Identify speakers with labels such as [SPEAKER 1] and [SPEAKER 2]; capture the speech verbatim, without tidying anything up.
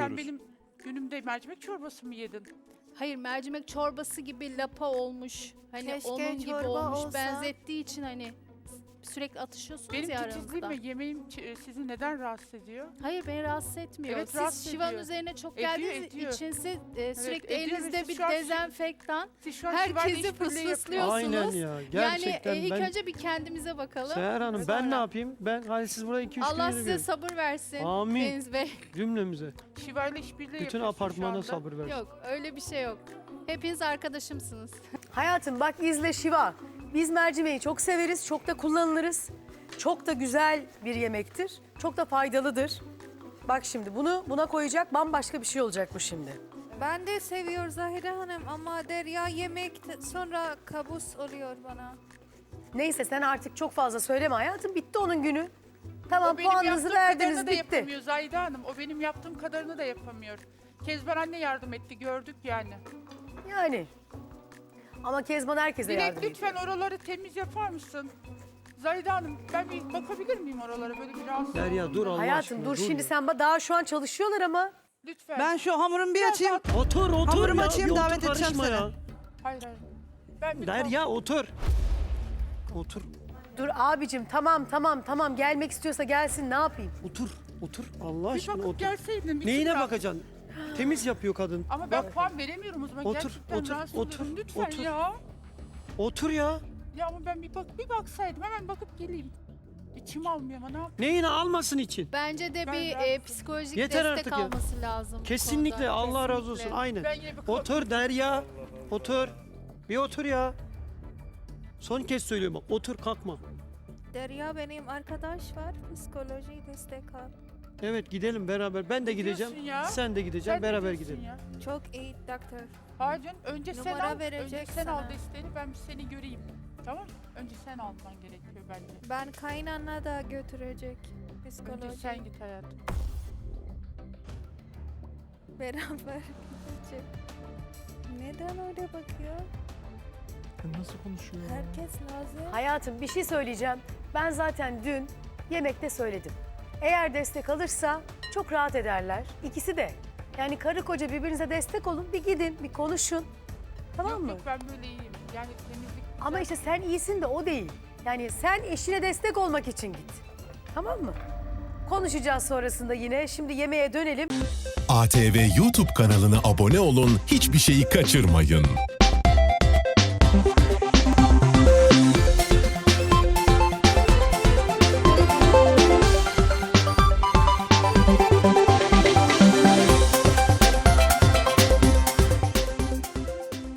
[SPEAKER 1] Sen benim günümde mercimek çorbası mı yedin?
[SPEAKER 2] Hayır, mercimek çorbası gibi lapa olmuş. Hani
[SPEAKER 3] Keşke
[SPEAKER 2] onun gibi
[SPEAKER 3] çorba
[SPEAKER 2] olmuş.
[SPEAKER 3] olsa.
[SPEAKER 2] Benzettiği için hani sürekli atışıyorsunuz
[SPEAKER 1] Benim
[SPEAKER 2] ya
[SPEAKER 1] titizliğim
[SPEAKER 2] aranızda.
[SPEAKER 1] ve yemeğim ç- sizi neden rahatsız ediyor?
[SPEAKER 2] Hayır, beni rahatsız etmiyor.
[SPEAKER 1] Evet,
[SPEAKER 2] Siz
[SPEAKER 1] rahatsız
[SPEAKER 2] şivanın
[SPEAKER 1] ediyor.
[SPEAKER 2] üzerine çok
[SPEAKER 1] Ediyor,
[SPEAKER 2] geldiğiniz
[SPEAKER 1] ediyor.
[SPEAKER 2] için siz e, sürekli
[SPEAKER 1] ediyor ve
[SPEAKER 2] elinizde
[SPEAKER 1] siz
[SPEAKER 2] bir
[SPEAKER 1] şu an şi-
[SPEAKER 2] dezenfektan
[SPEAKER 1] Siz şu an şivayla
[SPEAKER 2] herkesi
[SPEAKER 1] işbirliği yapıyorsunuz.
[SPEAKER 2] fısfıslıyorsunuz.
[SPEAKER 4] Aynen ya. Gerçekten
[SPEAKER 2] yani e, ilk
[SPEAKER 4] ben...
[SPEAKER 2] önce bir kendimize bakalım.
[SPEAKER 4] Seher Hanım
[SPEAKER 1] Evet,
[SPEAKER 4] ben
[SPEAKER 1] aynen.
[SPEAKER 4] ne yapayım? Ben hani siz burada iki üç
[SPEAKER 2] Allah
[SPEAKER 4] gün
[SPEAKER 2] size
[SPEAKER 4] yürüyorum.
[SPEAKER 2] sabır versin.
[SPEAKER 4] Amin.
[SPEAKER 2] Deniz Bey.
[SPEAKER 4] Cümlemize.
[SPEAKER 1] Şivayla işbirliği
[SPEAKER 4] Bütün
[SPEAKER 1] yapıyorsun şu
[SPEAKER 4] apartmana
[SPEAKER 1] anda.
[SPEAKER 4] sabır versin.
[SPEAKER 2] Yok, öyle bir şey yok. Hepiniz arkadaşımsınız.
[SPEAKER 5] Hayatım bak izle Şiva. Biz mercimeği çok severiz, çok da kullanılırız. Çok da güzel bir yemektir. Çok da faydalıdır. Bak şimdi bunu buna koyacak bambaşka bir şey olacak bu şimdi.
[SPEAKER 3] Ben de seviyor Zahide Hanım ama Derya yemek t- sonra kabus oluyor bana.
[SPEAKER 5] Neyse sen artık çok fazla söyleme hayatım. Bitti onun günü. Tamam
[SPEAKER 1] O benim
[SPEAKER 5] puanınızı
[SPEAKER 1] yaptığım
[SPEAKER 5] verdiniz
[SPEAKER 1] kadarını da
[SPEAKER 5] bitti.
[SPEAKER 1] yapamıyor Zahide Hanım. O benim yaptığım kadarını da yapamıyor. Kezban anne yardım etti, gördük yani.
[SPEAKER 5] Yani. Ama Kezban herkese
[SPEAKER 1] Dilek
[SPEAKER 5] yardım ediyor.
[SPEAKER 1] lütfen oraları temiz yapar mısın? Zahide Hanım ben bir bakabilir miyim oralara böyle bir rahatsız?
[SPEAKER 4] Derya dur Allah
[SPEAKER 5] Hayatım
[SPEAKER 4] aşkına
[SPEAKER 5] dur şimdi
[SPEAKER 4] ya.
[SPEAKER 5] sen ba- daha şu an çalışıyorlar ama.
[SPEAKER 1] Lütfen.
[SPEAKER 6] Ben şu hamurumu bir açayım.
[SPEAKER 4] Otur otur
[SPEAKER 6] Hamurumu
[SPEAKER 4] ya.
[SPEAKER 6] açayım,
[SPEAKER 4] bir
[SPEAKER 6] davet
[SPEAKER 4] otur,
[SPEAKER 6] edeceğim
[SPEAKER 4] karışma
[SPEAKER 6] seni.
[SPEAKER 4] ya.
[SPEAKER 1] Hayır hayır. Ben bir
[SPEAKER 4] Derya otur. Otur.
[SPEAKER 5] Dur abicim tamam tamam tamam gelmek istiyorsa gelsin ne yapayım?
[SPEAKER 4] Otur. Otur. Allah
[SPEAKER 1] bir
[SPEAKER 4] aşkına
[SPEAKER 1] bakıp
[SPEAKER 4] otur.
[SPEAKER 1] gelseydin. bir
[SPEAKER 4] Neyine
[SPEAKER 1] çıkar.
[SPEAKER 4] bakacaksın? Temiz yapıyor kadın.
[SPEAKER 1] Ama ben puan veremiyorum o zaman.
[SPEAKER 4] Otur,
[SPEAKER 1] Gerçekten
[SPEAKER 4] otur,
[SPEAKER 1] rahatsız
[SPEAKER 4] otur,
[SPEAKER 1] oluyorum. Lütfen
[SPEAKER 4] otur.
[SPEAKER 1] ya.
[SPEAKER 4] Otur ya.
[SPEAKER 1] Ya ama ben bir bak bir baksaydım hemen bakıp geleyim. İçim almıyor ama ne yapayım?
[SPEAKER 4] Neyine almasın için?
[SPEAKER 2] Bence de
[SPEAKER 1] Ben
[SPEAKER 2] bir
[SPEAKER 1] rahatsızım.
[SPEAKER 2] e, psikolojik
[SPEAKER 4] Yeter
[SPEAKER 2] destek
[SPEAKER 4] artık ya.
[SPEAKER 2] alması lazım. bu
[SPEAKER 4] Kesinlikle
[SPEAKER 2] konuda.
[SPEAKER 4] Allah razı
[SPEAKER 2] Kesinlikle.
[SPEAKER 4] olsun. Aynen.
[SPEAKER 1] Ben yine bir
[SPEAKER 4] Otur Derya. Otur. Bir otur ya. Son kez söylüyorum bak. Otur kalkma.
[SPEAKER 3] Derya benim arkadaş var psikoloji destek al.
[SPEAKER 4] Evet gidelim beraber. Ben de gideceğim.
[SPEAKER 1] diyorsun ya?
[SPEAKER 4] Sen de gideceksin.
[SPEAKER 1] Sen ne
[SPEAKER 4] Beraber
[SPEAKER 1] diyorsun
[SPEAKER 4] gidelim.
[SPEAKER 1] ya?
[SPEAKER 3] Çok iyi doktor.
[SPEAKER 1] Hayır canım, önce sen
[SPEAKER 3] Numara
[SPEAKER 1] al. Önce
[SPEAKER 3] verecek
[SPEAKER 1] sen al
[SPEAKER 3] sana.
[SPEAKER 1] desteğini ben bir seni göreyim. Tamam mı? Önce sen alman gerekiyor bence.
[SPEAKER 3] Ben kaynana da götürecek
[SPEAKER 1] Önce
[SPEAKER 3] psikoloji.
[SPEAKER 1] sen git hayatım.
[SPEAKER 3] Beraber gidecek. Neden öyle bakıyor?
[SPEAKER 4] Nasıl konuşuyor?
[SPEAKER 3] Herkes nazır.
[SPEAKER 5] Hayatım bir şey söyleyeceğim. Ben zaten dün yemekte söyledim. Eğer destek alırsa çok rahat ederler. İkisi de. Yani karı koca birbirinize destek olun. Bir gidin, bir konuşun. Tamam
[SPEAKER 1] yok
[SPEAKER 5] mı?
[SPEAKER 1] yok ben böyle iyiyim. Yani temizlik
[SPEAKER 5] Ama işte sen iyisin de o değil. Yani sen eşine destek olmak için git. Tamam mı? Konuşacağız sonrasında yine. Şimdi yemeğe dönelim.
[SPEAKER 7] A T V YouTube kanalına abone olun, hiçbir şeyi kaçırmayın.